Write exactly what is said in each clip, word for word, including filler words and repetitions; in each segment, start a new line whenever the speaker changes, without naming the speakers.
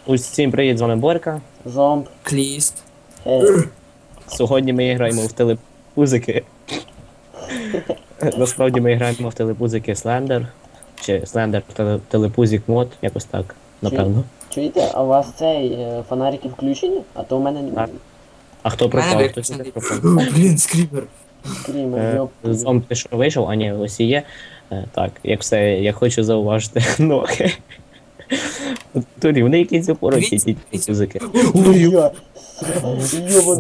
Усім привіт, з вами Борька.
Зомб.
Кліст.
Хей.
Сьогодні ми граємо в телепузики. Насправді ми граємо в телепузики Слендер. Чи Слендер телепузик мод, якось так, напевно.
Чуєте, а у вас цей е, фонарики включені? А то у мене
Так. А хто
Мене
пропав? Хтось
виключений.
не пропав.
Блін, скріпер.
скрімер,
Е,
йоп.
Зомб ти що вийшов? А ні, ось і є. Е, Так, як все, я хочу зауважити ноги. Турі, вони якісь опороті, ті телепузики.
Ой-ой. Йобан.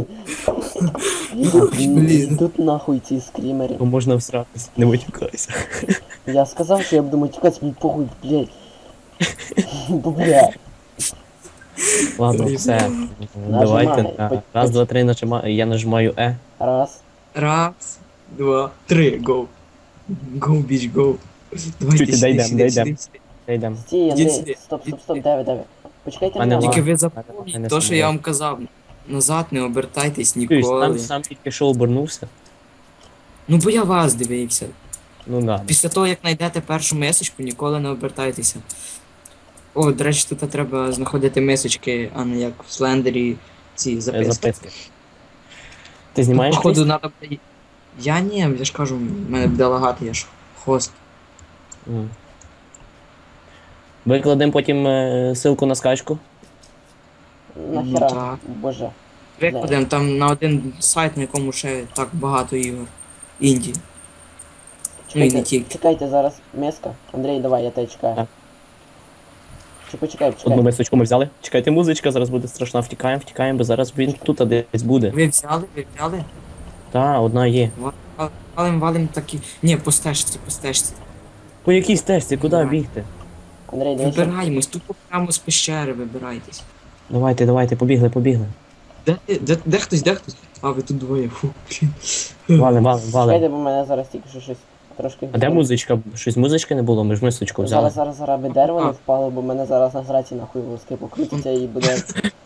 Блін.
Тут нахуй ці скрімери.
Бо можна всратися, не витікайся.
Я сказав, що я буду матюкатися, мені похуй, блядь. Бо, блядь.
Ладно, все. Давайте.
Нажимай.
на Раз, два, три, нажимаю. Я нажимаю Е.
Раз.
Раз, два, три, гоу. Гоу, біч, гоу. Давайте
Чуть,
сюди,
дійдем,
сюди,
дійдем.
сюди, сюди.
Йдемо.
Стій,
Ідіть
Андрій.
сюди.
Стоп, стоп,
Ідіть
стоп,
сюди.
давай, давай. Почекайте
Мене
мене.
ла-
Тільки ви
Не
запомніть, то, що
сумніваюся.
я вам казав. Назад не обертайтесь
Чуєш,
ніколи.
Там сам тільки що обернувся.
Ну бо я вас дивився.
Ну да.
Після того, як знайдете першу месочку, ніколи не обертайтеся. О, до речі, тут треба знаходити месочки, а не як в Слендері ці
Е,
записки.
Записки. Ти знімаєш
Походу,
щось?
надо буде... Я ні, я ж кажу, в мене буде лагати, я ж хост.
М. Викладемо потім е, ссылку на скачку.
Нахера,
так.
боже.
Викладемо там на один сайт, на якому ще так багато ігор. Інді. Ну і не
Чекайте,
тільки.
чекайте зараз, миска. Андрій, давай, я тебе чекаю.
Так.
Чи почекай,
Одну
почекай.
мисочку ми взяли. Чекайте, музичка, зараз буде страшна. Втікаємо, втікаємо, бо зараз він тут десь буде.
Ви взяли, ви взяли?
Та, одна є.
Ва- Валим, валим такі. Ні, по стежці, по стежці.
По якійсь тесті, куди
Давай.
бігти?
Андрій, дивися.
Вибираємось, тупо прямо з пещери вибирайтесь.
Давайте, давайте, побігли, побігли.
Де, ти- де, де хтось, де хтось? А, ви тут двоє, фу, блін.
Валим, валим, валим.
Чекайте, бо мене зараз тільки що щось трошки...
А де музичка? Щось музички не було, ми ж мисочку взяли.
Зараз, зараз, зараз би дерево не
А.
впало, бо мене зараз на зраці нахуй волоски покрутиться і буде...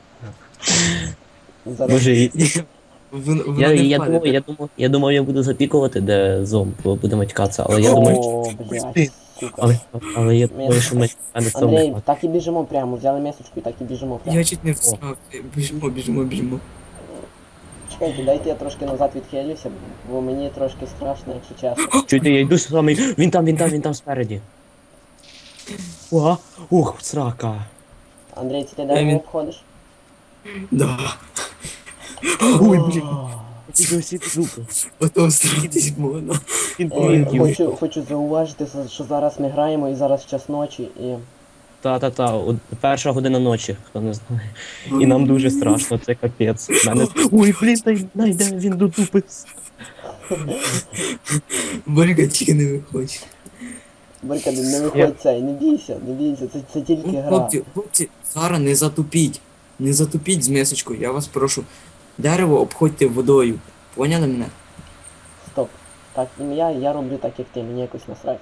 Зараз...
Боже, і-
Вон- Вона
я,
не
я,
впаде.
думав, я, думав, я думав, я буду запікувати, де зомб, бо будемо тікатися, але я думаю,
О, блядь, сука.
але, але я думаю, що ми а не
Андрій,
зомб.
так і біжимо прямо, взяли місочку і так і біжимо прямо.
Я чуть не встав. Біжимо, біжимо, біжимо.
Чекайте, дайте я трошки назад відхилюся, бо мені трошки страшно, якщо чесно.
Чуєте, я йду саме. Він там, він там, він там спереді. О, ух, срака.
Андрій, це ти
Я
дерево
він-
обходиш?
Да.
Ой, блін. Тільки усі звуки.
Потім стратись можна.
Він
Е,
помінків.
хочу, хочу зауважити, що зараз ми граємо і зараз час ночі, і...
Та-та-та, от перша година ночі, хто не знає. І нам дуже страшно, це капець. Мене... Ой, блін, та й найде він дотупиться.
Борька тільки не виходь.
Борька, не
Я-
виходь цей, не бійся, не бійся, це, це тільки
Ну,
гра.
хлопці, хлопці, зараз не затупіть. Не затупіть з мисочкою, я вас прошу. Дерево обходьте водою. Поняли мене?
Стоп. Так, ім'я, я роблю так, як ти, мені якось насрать.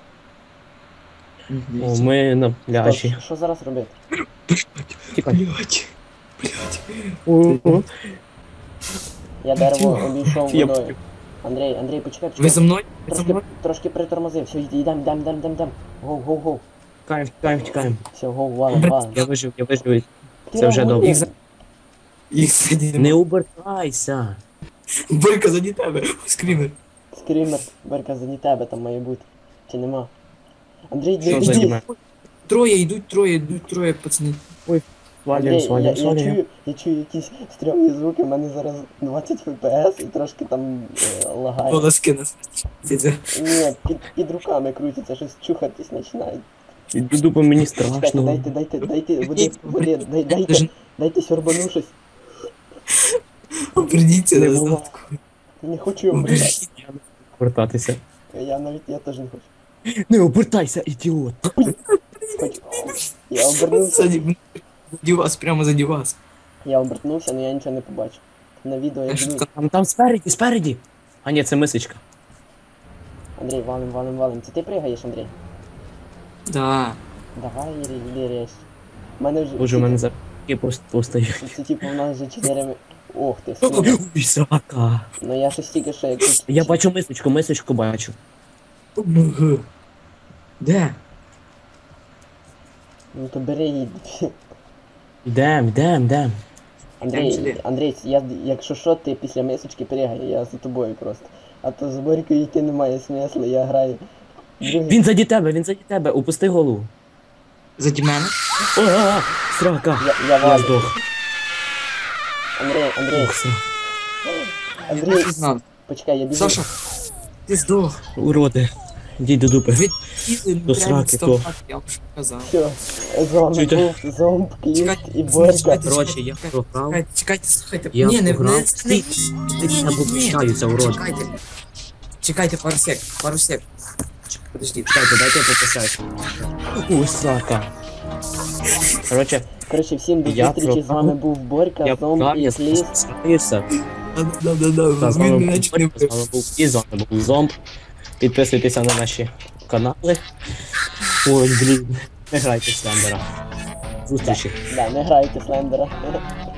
О, ми на
Стоп,
пляжі.
що зараз робити?
Тікай.
Блять. Блять.
Ого.
Я дерево обійшов
Я
водою. Андрій, Андрій, почекай,
Ви за
почекай.
мною? Ви за
Трошки,
мною?
трошки притормозив, все, йди, йдем, йдем, йдем, йдем, йдем. Гоу, гоу, гоу.
Тікаємо, тікаємо, тікаємо.
Все, гоу, валим, валим.
Я вижив, я вижив.
Ти
Це вже
рахуй.
добре.
Їх за... Їх сидіть.
Не обертайся.
Борька, заді тебе. Скрімер.
Скрімер, Борька, заді тебе там має бути. Чи нема? Андрій,
Що
не
за
йди.
німе?
Троє йдуть, троє йдуть, троє, пацани.
Свалюємо,
Андрій, я,
свалюємо,
я,
свалюємо.
чую, я чую якісь стрьомні звуки, в мене зараз двадцять еф пі ес і трошки там е, лагає.
Волоски нас.
Ні, під, під руками крутиться, щось чухатись починає.
Іду по мені
Чекайте,
страшно.
дайте, дайте, дайте, води, води, дай, дайте, дайте сьорбану щось.
Оберніться
Не
назад.
було.
Не хочу обертати.
Оберніть.
Повертатися.
Я навіть, я теж не хочу.
Не обертайся, ідіот.
Хочу. Я обернувся,
Ззаді, заді вас, прямо заді вас.
я обернувся, але я нічого не побачив. На відео я
А що
дивлюсь.
таке?
Там, там спереді, спереді. А ні, це мисочка.
Андрій, валим, валим, валим. Це ти пригаєш, Андрій?
Да.
Давай, Ірі, іди рейс. У мене вже...
Боже, у мене запки просто постають.
Це, це типу в нас вже чотири... ми- Ох ти, скільки.
Ой, срака.
Ну я щось тільки що якусь...
Я бачу мисочку, мисочку бачу.
Ого. Де?
Ну то бери її.
Йдем, йдем, йдем.
Йдемо
Андрій,
сюди.
Андрій, я, якщо що, ти після мисочки перегай, я за тобою просто. А то з Борькою йти немає смислу, я граю. Другий.
Він заді тебе, він заді тебе, упусти голову.
Заді мене.
О, а, срака.
Я, я
Я
валю.
здох.
Андрій, Андрій,
Ух, срака.
Я
Андрій,
не знав.
почекай, я біжу.
Саша, ти здох.
Уроди. Йдіть до дупи.
Ви
До сраки, то.
Я вам що казав.
Все, зомб
Чуєте?
був, зомб, кліт
Чекайте,
і Борька.
чекайте,
Коротше, я
чекайте,
програв.
Чекайте, чекайте, слухайте.
Я
Ні, не, не,
програв.
не,
Ти-
ні,
ти
ні,
не
ні,
вибачаюся, урод.
Чекайте. Чекайте пару сек, пару сек. Чек- Подожди.
Дайте, дайте я пописаю. Ух, срака. Коротше,
Коротше, всім до
Я
зустрічі, з
програв.
вами був Борька,
я
зомб
програв,
і
я
кліт.
спускаюся.
Да-да-да,
Так, з
він
вами
мене
був
чуть не
Борька, з вами був і з вами був Зомб. Підписуйтеся на наші канали. Ой, блін. Не грайте в Слендера. Зустрічі.
Да, не грайте Слендера.